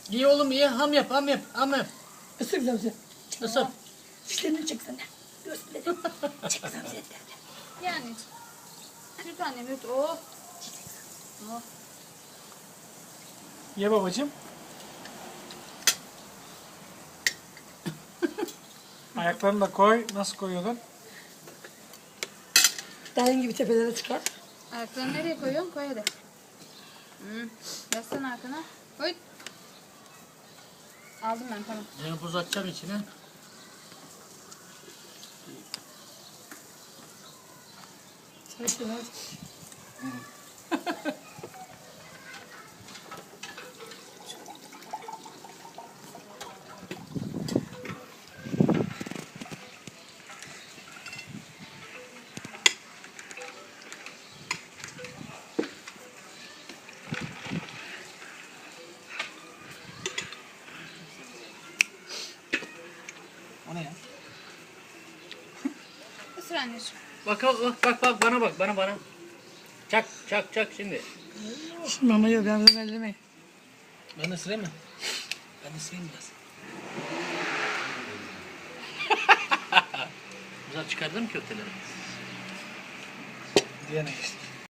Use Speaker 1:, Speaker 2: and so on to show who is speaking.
Speaker 1: İyi oğlum iyi. Ham yap, ham yap, ham yap.
Speaker 2: Isır Zamze.
Speaker 1: Isır.
Speaker 2: Dişlerini çeksene. Göğsleri. Çek Zamze.
Speaker 3: Yani. Bir tane yut. Oh. Oh.
Speaker 4: Ye babacığım. Ayaklarını da koy. Nasıl koyuyordun?
Speaker 2: Dayın gibi tepelere çıkar.
Speaker 3: Ayaklarını nereye koyuyorsun? Koy hadi. Yaslan arkana. Koy. Aldım ben tamam.
Speaker 1: Yani buz atacağım içine.
Speaker 2: Çay şöyle.
Speaker 4: O ne ya?
Speaker 3: Isır anneciğim.
Speaker 1: Bak bana bak bana. Çak şimdi.
Speaker 2: Şimdi mama yiyor. Ben bunu ellemeyin.
Speaker 1: Ben de ısırayım mı? Ben de ısırayım biraz. Güzel çıkardım köfteleri.
Speaker 4: Diyene geçtik.